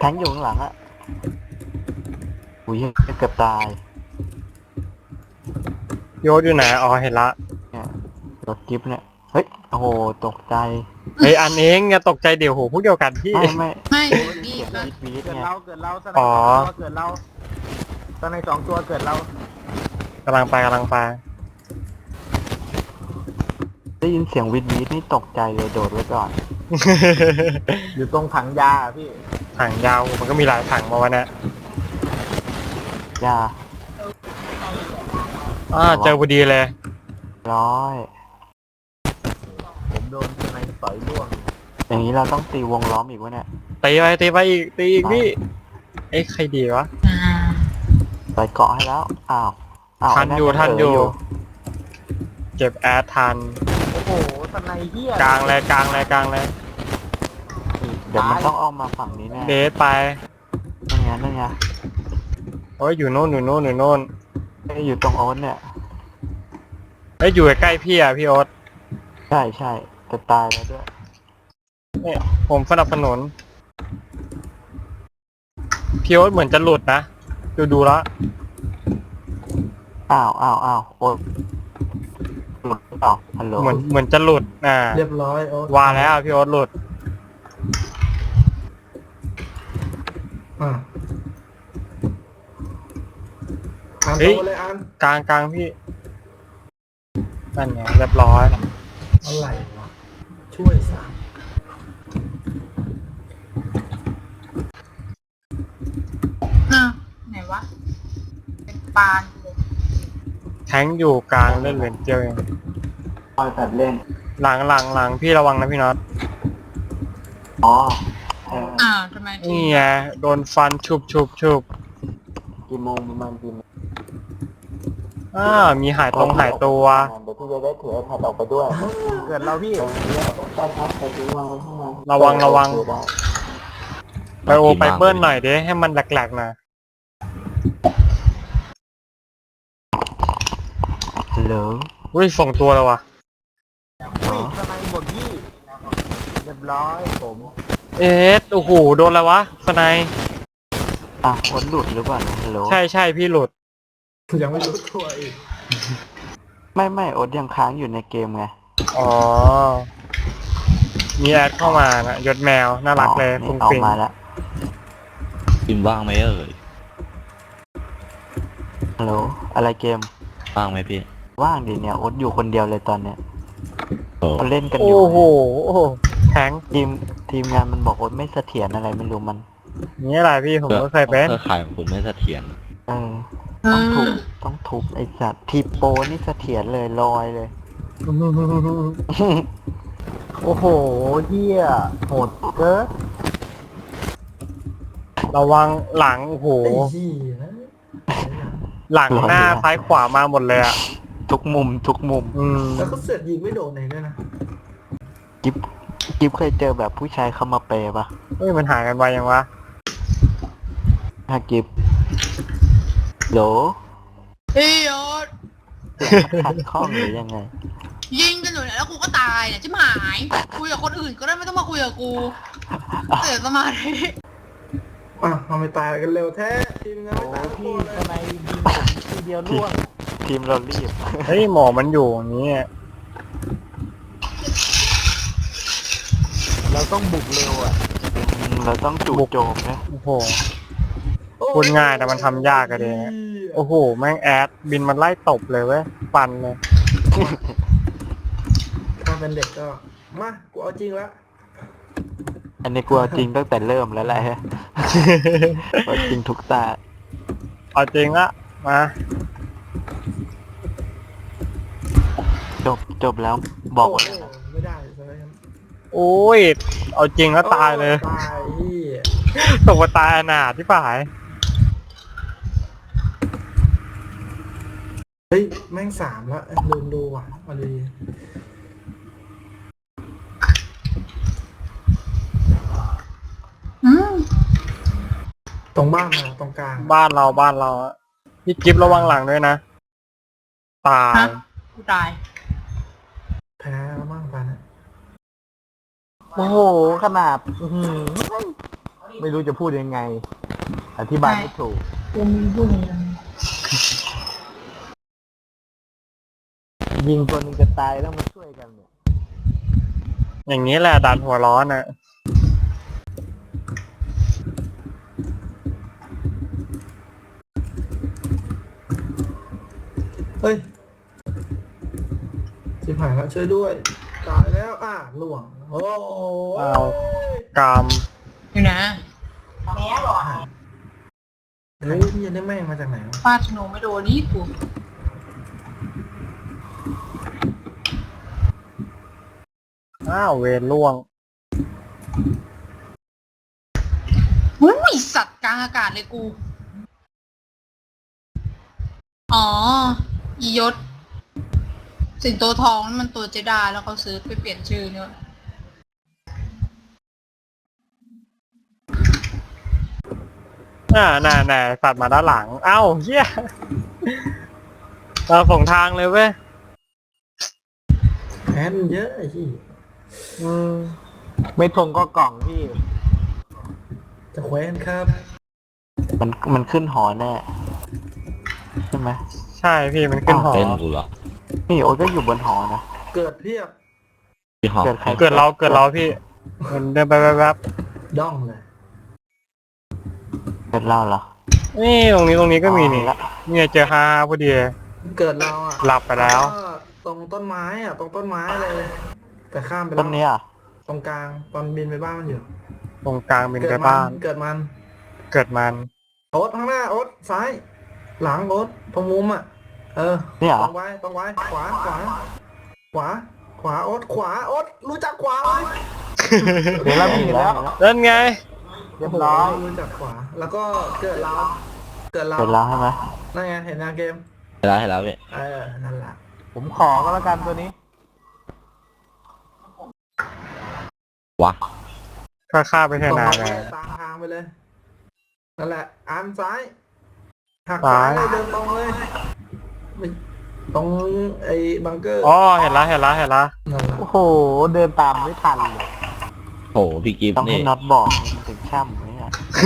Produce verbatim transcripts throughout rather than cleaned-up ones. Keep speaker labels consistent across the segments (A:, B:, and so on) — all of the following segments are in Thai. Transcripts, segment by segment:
A: งอยู่ข้างหลังอะอุ้ยเกือบตาย
B: โยศอยู่ไหนอ๋อเห็นละ
A: เนี่ยรถจิ๊บเนี่ยเฮ้ยโอ้โหตกใจ
B: เฮ้ยอันเองอย่าตกใจเดี๋ยวโหพวกเดียวกันพี่
A: ไม่ไม่
C: ไม่
A: เสี
C: นี่
A: ยง
C: ก็
A: วีดวีด
D: เกิด
A: ไง
D: เราเกิดเราสไน
B: อ๋อ
D: เปอร์เกิดเราสไนสองตัวเกิดเรา
B: กำลังไปกำลังไป
A: ได้ยินเสียงวีดวีดนี่ตกใจเลยโดดไว้ก่อน
D: อยู่ตรงถังยาอะพี่
B: ถังยาวมันก็มีหลายถังมาวันนี้
A: อย่า
B: อ่าเจอพอดีเลย
A: ร้อย
D: ผมโดนสไนต่อยร่วง
A: อย่างนี้เราต้องตีวงล้อมอีกวะเนี่ย
B: ตีไปตีไปอีกตีอีกพี่เอ้ยใครดีวะ
C: อ่า
A: ใส่เกาะให้แล้วอ้าวอ้าว
B: ทันอยู่
A: ไนั่
B: ทันอยู่
A: เ
B: เก็บแอดทัน
D: โอ้โหสไนเฮีย
B: กลางเลยกลางเลยกลางเลย
A: เดี๋ยวมันต้องเอามาฝั่งนี้แน่
B: เดทไป
A: นั่นไงนั่นไง
B: โอ้ยอยู่โน่นอยู่โน่นอยู่โน่น
A: ไอ้อยู่ตรงโอ๊ตเนี่ย
B: เอ้ยอยู่ใกล้ๆพี่อ่ะพี่โอ๊ต
A: ใช่ใช่จะตายแล้วด้วย
B: เนี่ยผมสนับสนุนพี่โอ๊ตเหมือนจะหลุดนะดูดูแล้ว
A: อ้าวอ้าวอ้าวโอ๊ตหลุดหรือเปล่าฮัลโหล
B: เหมือนเหมือนจะหลุดอ่า
D: เรียบร้อยโอ้
B: ว่าแล้วพี่โอ๊ตหลุด
D: อ่ะอ่าน
B: เฮ้ย
D: ตัวเลยอ่าน
B: กลางกลางพี่นั่นไงเรียบร้อย
D: อะไรวะช่วยสาม
C: อ่ะไหนวะ เป็นปานเลย
B: แทงอยู่กลางเล่นเหรียญเจียวเอง
A: คอยตัดเล่น
B: หลังหลังหลังพี่ระวังนะพี่น็อต
A: อ๋อเออ
C: อ่าทำไม
B: นี่ไงโดนฟันชุบชุบชุบ
A: กี่โมงประมาณกี่โมง
B: อ่ามีหายตรงหายตัว
A: เดี๋ยวพี่จะได้ถือไอแพดออกไปด้วย
D: เกิดเราพี่
A: ได้ครับไปซื้อวางไว้ข้างใน
B: ระวังระวัง
A: เออได้
B: ไปโอไปเบิ้ลหน่อยเด้ให้มันแหลกๆหน่อย
A: ฮัลโหล
B: อุ้ยส่งตัวแล้ววะ
D: วิ่งสไนหมดพี่เรียบร้อยผม
B: เอ๊ะโอ้โหโดนแล้ววะสไนย
A: อ่ะโอ๊ตหลุดหรือเปล่าฮัลโหล
B: ใช่ใช่พี่หลุด
D: ยังไม่รู้ตัวอีก
A: ไม่ไม่โอ๊ตยังค้างอยู่ในเกมไง
B: อ๋อมีแอดเข้ามานะยศแมวน่ารักเลย
A: อ๋อ
B: ฟุ้ง
A: นี่ออก
B: ฟิ้ง
A: มาแล้ว
E: พิมพ์ว่างไหมเอ่ย
A: ฮัลโหลอะไรเกม
E: ว่างไหมพี่
A: ว่างดิเนี่ยโอ๊ตอยู่คนเดียวเลยตอนเนี้ย
E: โอ้
A: เขาเล่นกันอยู่
B: โอ้โหโอ้โหแทง
A: ทีมทีมงานมันบอกโอ๊ตไม่เสถียรอะไรไม่รู้มัน
B: นี่อะไรพี่ผมก็เคยเป็น
E: เครือข่ายของคุณไม่เสถียร
A: เออ
C: เอ
A: ต้องทุบ
C: อ
A: ต้องทุบไอ้สัตว์ทีโปรนี่เสถียรเลยลอยเลย
D: โอ้โหเฮียโหดเกิน
B: ระวังหลังโอ้โห
D: ไอ้เหี้ย
B: หลังหน้าซ้ายขวามาหมดเลยอ่ะ
A: ทุกมุมทุกมุม
B: อืม
D: แล้วก็เสือกยิงไม่โดนไหนด้วยนะ
A: กิฟกิฟเคยเจอแบบผู้ชายเข้ามาเปย์ปะ
B: เฮ้ยมันหายกันไปยังวะ
A: ฮะกิฟโหล
C: เฮ้ยโอ๊ต
A: ขัดข้องหรือยังไง
C: ยิงกันอยู่เนี่ยแล้วกูก็ตายเนี่ยชิบหาย คุยกับคนอื่นก็ได้ไม่ต้องมาคุยกับกูเสียสมาธิ
D: อ่ะทำไมตายกันเร็วแท้ทีมงานไม่ตายพี่ทำไมยิงผมทีเดียวล่วง
A: ทีมเรารีบ
B: เฮ้ยหมอมันอยู่อย่างนี้
D: เราต้องบุกเร็วอ่ะ
A: อืมเราต้องจู่โจมนะ
B: โอ้โห พูดง่ายแต่มันทำยากอะเดะ โอ้โหแม่งแอดบินมันไล่ตบเลยเว้ยฟันเลย
D: ถ้าเป็นเด็กก็มากูเอาจริงแล้ว
A: อันนี้กลัวจริงตั้งแต่เริ่มแล้วแหละกลัวจริงทุกตา
B: เอาจริงละมา
A: จบจบแล้วบอกว่า
D: โโหไม่ได้ใช่ไหมครับ
B: โอ้ยเอาจริงแล้วตายเลย
D: ตายพี่
B: ตกมาตายอนาถที่ฝ่าย
D: เฮ้ยแม่งสามแล้วลืมดูว่ะมาดี
C: อืม
D: ตรงบ้านมาตรงกลาง
B: บ้านเราบ้านเราอะพี่กิฟระวังหลังด้วยนะ ตาย
C: ฮะกูตาย
D: แพ้แล้วมั่งไปนะ
A: โอ้โหขนาดอื้อหือไม่รู้จะพูดยังไง อธิบายไม่ถูก
C: กูมีพูดอย่างนั้น
A: ยิงตัวหนึงจะตายต้องมาช่วยกันเนี่ย
B: อย่างนี้แหละดันหัวร้อนอ่ะ
D: เฮ้ยชิบหายแล้วช่วยด้วยตายแล้วอ่ะหล่วงโอ้
B: เอา
D: ย
B: กาม
C: อยู่นะ
D: เฮ้ยพี่ยันได้แม่งมาจากไหนวะ
C: ฟาดธนูไม่โดนนี่กู
B: อ้าวเวรล่วง
C: อุ้ยสัตว์กลางอากาศเลยกู อ๋อ อียศ สิงโตทองนั่นมันตัวเจดาแล้วเขาซื้อไปเปลี่ยนชื่อเนี่ย
B: อ่าน่าน่าสัตว์มาด้านหลัง เอ้าเฮียเราส่งทางเลยเว้ย
D: แพ้มันเยอะไอ้ที่
B: อืม
A: ไม่ทงก็กล่องพี่
D: จะแคว้นครับ
A: มันมันขึ้นหอแน่ใช่ไหม
B: ใช่พี่มันขึ้นหอ
E: เต้นกูเหรอ
A: นี่โอ๊ตก็อยู่บนหอนะ
D: เกิดเพียบ
E: พี่หอม
A: เกิดใคร
B: เกิดเราเกิดเราพี่มันเดินไปแป๊บ
D: ด้องเลย
A: เกิดเราเหรอ
B: ๆนี่ตรงนี้ตรงนี้ก็มีนี่
A: อ๋อละ
B: เนี่ยเจอฮาพอดี
D: เกิดเราอ่ะ
B: หลับไปแล้ว
D: ก็ตรงต้นไม้อ่ะตรงต้นไม้เลย แต่ข้ามไป
A: ต้
D: แล้
A: น
D: ว
A: นี้อ่ะ
D: ตรงกลางตอนบินไปบ้านมันอยู่
B: ตรงกลางเป็น
D: เกิ
B: ไป
D: ดมั
B: บ้าน
D: เกิดมัน
B: เกิดมัน
D: โอ๊ตข้างหน้าโอ๊ตซ้าย หลังโอ๊ตตรงมุมอ่ะ เออ
A: นี่เหร
D: ต
A: อ
D: รงไว้ตรงไว้ขวาขวา ขวา ขวาโอ๊ตขวาโอ๊ตรู้จักขวาไหม
A: เดี๋ยวเรามีแล้ว
B: นั่นไง
A: เรียบร้อย
D: โโหรู้จักขวา แล้วก็เกิดเรา เกิดเรา
A: เกิดเราใช่ไหม
D: นั่นไงเห็นยังเกม
E: เห็นแล้วเห็นแล้วพี่
D: เออนั่นแหละ
A: ผมขอก็แล้วกันตัวนี้
E: วะ
B: ค่าค่าไปเท
D: ตรง
B: นา
D: ไป
B: เล
D: เลย ยตามทางไปเลย นั่นแหละอันซ้าย หัก
B: ซ้า
D: ซ้าย ยเลยเดินตรงเลยไม่ตรงไอ้บังเกอร์
B: อ๋อเห็นละเห็นละเห็นละ
D: นั่นแหละ
A: โอ้โห เดินตามไม่ทันเลย
E: โหพี่กิฟต์
A: ต้องให้
E: นี่
A: น็อตบอกมันถึงช่ำเนี่ย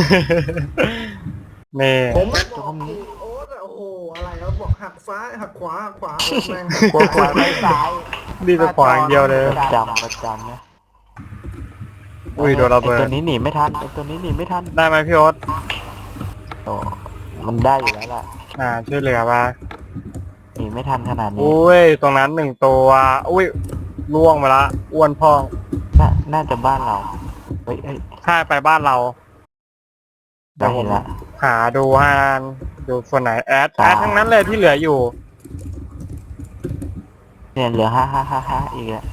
B: นี่
D: ผมไม่บอกโอ๊ตอะโอ้โหอะไรแล้วบอกหักซ้ายหักขวาหักขวาโอ๊ตแม่ง
A: กลัวขวาไม่ซ้าย
B: ดีแต่ขวาอย่างเดียวเลย
A: ประจำประจำเนี่ย
B: อุ้ยโดนระเบิ
A: ไอ้
B: ด
A: ตัวนี้หนีไม่ทันไอ้ตัวนี้หนีไม่ทัน
B: ได้ไหมพี่โอ๊ต
A: โอ้มันได้อยู่แล้วล่ะ
B: อ่าช่วยเหลือมา
A: หนีไม่ทันขนาดนี้
B: อุ้ยตรงนั้นหนึ่งตัวอุ้ยล่วงมาละอ้วนพอง
A: น่าน่าจะบ้านเรา เฮ้ยเฮ้ย
B: ถ้าไปบ้านเรา
A: ได้เห็นละ
B: หาดูฮานดูส่วนไหนแอด
A: อ่า
B: แอดทั้งนั้นเลยที่เหลืออยู่
A: เนี่ยเหลือห้าห้าห้าห้าอีกแล้ว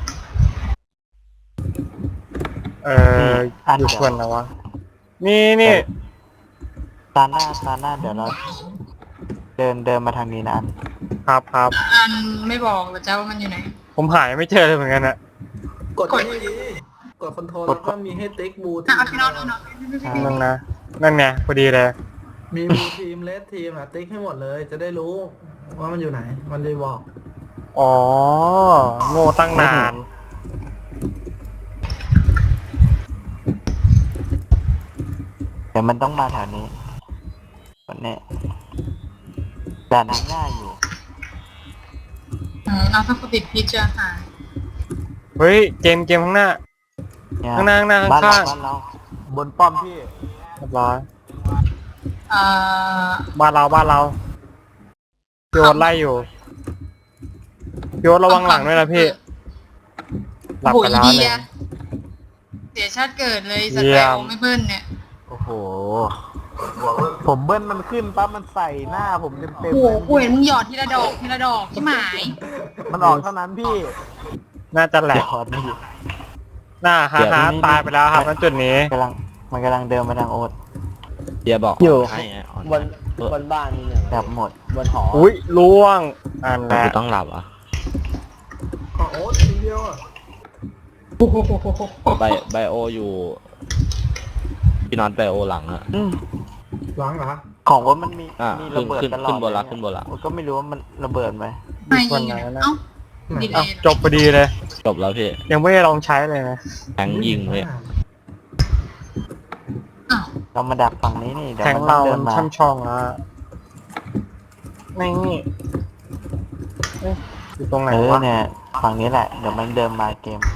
B: เออ
A: อัน
B: อยู่
A: เดียว
B: ส่วนไหนวะนี่นี่
A: ตาหน้าตาหน้าเดี๋ยวเรา เดินเดินมาทางนี้นะอัน
B: ครับครับ
C: อันไม่บอกหรอจ้าว่ามันอยู่ไหน
B: ผมหายไม่เจอเลยเหมือนกันอะ
D: กดที่ดีกดคอนโทรลแล้วก็มีให้ติ๊กบูที
C: อ่ะ
D: ม
C: เอาพี่น้องเอาหน่อย
B: นั่นนะนั่นไงพอดีเลย
D: มีบูทีมเลสทีมอะติ๊กให้หมดเลย จะได้รู้ว่ามันอยู่ไหน มันจะบอก
B: อ๋อโง่ตั้งนาน
A: เดี๋ยวมันต้องมาแถวนี้วันนี้ด่านนี้ง่ายอยู่
C: อืมเอาถ้ากูติดพิษจะหาย
B: เฮ้ยเกมเกมข้างหน้า
A: เนี่ย
B: ข้างหน้าข้างหน้า
A: บ้านเรา
B: ข้างๆ
A: บ้านเรา บนป้อมพี่
B: เรียบร้อย
C: อ่า
B: บ้านเราบ้านเราพี่โอ๊ตไล่อยู่พี่โอ๊ตระวังหลังด้วยนะพี่ หลับ
C: โอ้โห
B: ไป
C: อี
B: แล้ว
C: เดี
B: เนี่ย ย
C: เสียชาติเกิดเลยส
B: เยี่
C: แต
B: ย
C: ล
B: ม
C: ไม่เบิ้ลเนี่ย
A: โอ้โห ผมเบิ้ลมันขึ้นปั๊บมันใส่หน้าผมเต็มเต็ม
C: โอ้โห
A: เลย
C: กูเห็นมึงหยอดทีละดอกทีละดอกที่หมาย
A: มันออกเท่านั้นพี่
B: น่าจะแหล
A: หย
B: ก
A: อดนี่
B: หน้าฮาฮาตายไปแล้วครับณจุดนี้
A: กำลังมันกำลังเดินมาทางโอ๊ต
E: เดียบอก
F: อยู่
E: ให้ไงอ่อน
F: บนบนบ้านนี่หนึ่ง
A: แบบหมด
F: บนหอ
B: อุ้ยล่วงอันแห
E: แต่
B: ละ
E: กูต้องหลับอ่ะ
D: อ๋อโอ๊ตทีเดียวอะ
E: ไบไบโออยู่พี่นอนไบโอหลังอะ
A: อืม
D: หลังเหรอ
A: ของว่ามันมี
E: อ่ะ
A: มีระเบิด
E: ขึ้น
A: ตลอด
E: ขึ้นบนละ
A: เย
E: ขึ้นบนละ
A: โอ๊ตก็ไม่รู้ว่ามันระเบิดไหม
C: ไม่ยิงอยู่ไหนเอ้าดีเล
B: อ้าวย
C: เหรอ
B: จบพอดีเลย
E: จบแล้วพี่
B: ยังไม่ได้ลองใช้เลยนะ
E: แทงยิงเลย
A: เรามาดักฝั่งนี้นี่เดี๋ยว
B: แทง
A: มันต้อ
B: เรา
A: งเดิ
B: มัน น
A: มา
B: ช่ำชองแล้วนี่เอ๊ะอยู่ตรงไหน
A: เออ
B: วะ
A: เนี่ยฝั่งนี้แหละเดี๋ยวมันเดินมาเกม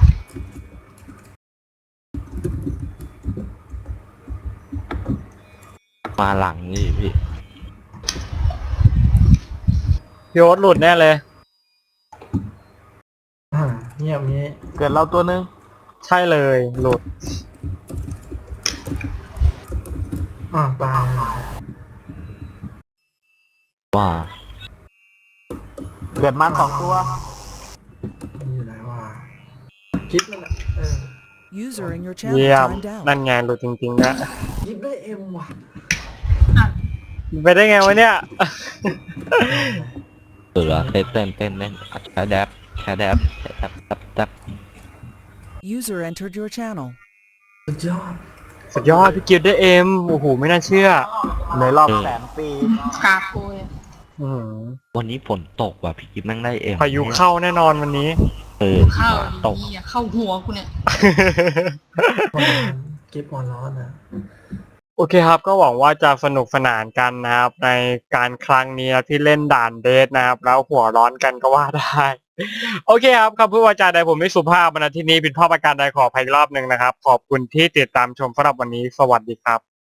E: มาหลังนี่พี่
B: พี่โอ๊ตหลุดแน่เลย
D: อ่าเงียบงี้
A: เกิดเราตัวนึง
B: ใช่เลยหลุด
D: อ่าตาย
E: ว่า
A: เกิดมาสองตัว
D: นี่อยู่ไหนวะคิดนั่นแหละเออ
F: User in your channel
B: เยี่ยม
F: timed out.
B: นั่นไงหลุดจริงๆนะ
D: ยิบได้เอ็มว่ะ
B: ไปได้ไงวะเนี่ย
E: เสือเต้นเต้นเต้นเต้นแค่แดบแค่แดบแค่แดบแดบแดบ
F: User entered your channel.
D: สุดยอด
B: สุดยอดพี่กิฟต์ได้เอ็มโอ้โหไม่น่าเชื่อ
A: ในรอบแสนปี
C: กราบกูเลย
B: อื้อหือ
E: วันนี้ฝนตกว่ะพี่กิ๊ฟแม่งได้เอ็ม
B: พายุเข้าแน่นอนวันนี้
E: เออ
C: เข้า
E: ตก
C: ดีอ่ะเข้าหัวกูเนี่ย
D: กิฟต์มอนร้อนนะ
B: โอเคครับก็หวังว่าจะสนุกสนานกันนะครับในการครั้งนี้นะที่เล่นด่านเดทนะครับ แล้วหัวร้อนกันก็ว่าได้ โอเคครับคำพูดวาจาใดผมไม่สุภาพมาณที่นี้ผิดพลาดประการใดขออภัยอีกรอบหนึ่งนะครับ ขอบคุณที่ติดตามชมสำหรับวันนี้สวัสดีครับ